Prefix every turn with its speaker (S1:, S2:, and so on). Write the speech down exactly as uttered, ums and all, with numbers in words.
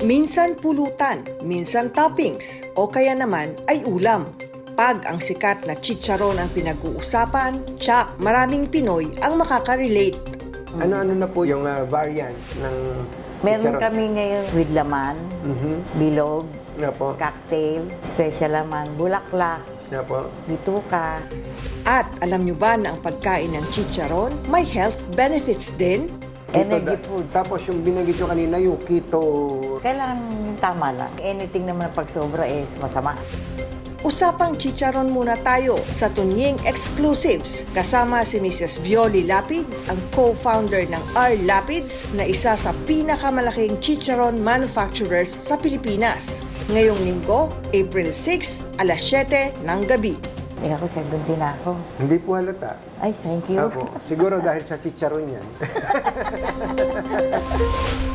S1: Minsan pulutan, minsan toppings, o kaya naman ay ulam. Pag ang sikat na chicharon ang pinag-uusapan, tsak maraming Pinoy ang makaka-relate.
S2: Ano-ano na po yung uh, variant ng
S3: Meron
S2: chicharon?
S3: kami ngayon with laman,
S2: Mhm.
S3: bilog,
S2: Nga po.
S3: cocktail, special laman, bulaklak,
S2: Nga po.
S3: bituka.
S1: At alam nyo ba na ang pagkain ng chicharon may health benefits din?
S3: Energy
S2: Keto-
S3: food.
S2: Tapos yung binanggit nyo kanina, yung keto.
S3: Kailangan yung tama lang. Anything naman na pag sobra is masama.
S1: Usapang chicharon muna tayo sa Tunying Exclusives kasama si Missus Violi Lapid, ang co-founder ng R. Lapids na isa sa pinakamalaking chicharon manufacturers sa Pilipinas. Ngayong linggo, April six, alas siyete ng gabi.
S3: Eh ako, seventy na ako.
S2: Hindi po halata.
S3: Ay, thank you.
S2: Apo. Siguro dahil sa chicharon yan.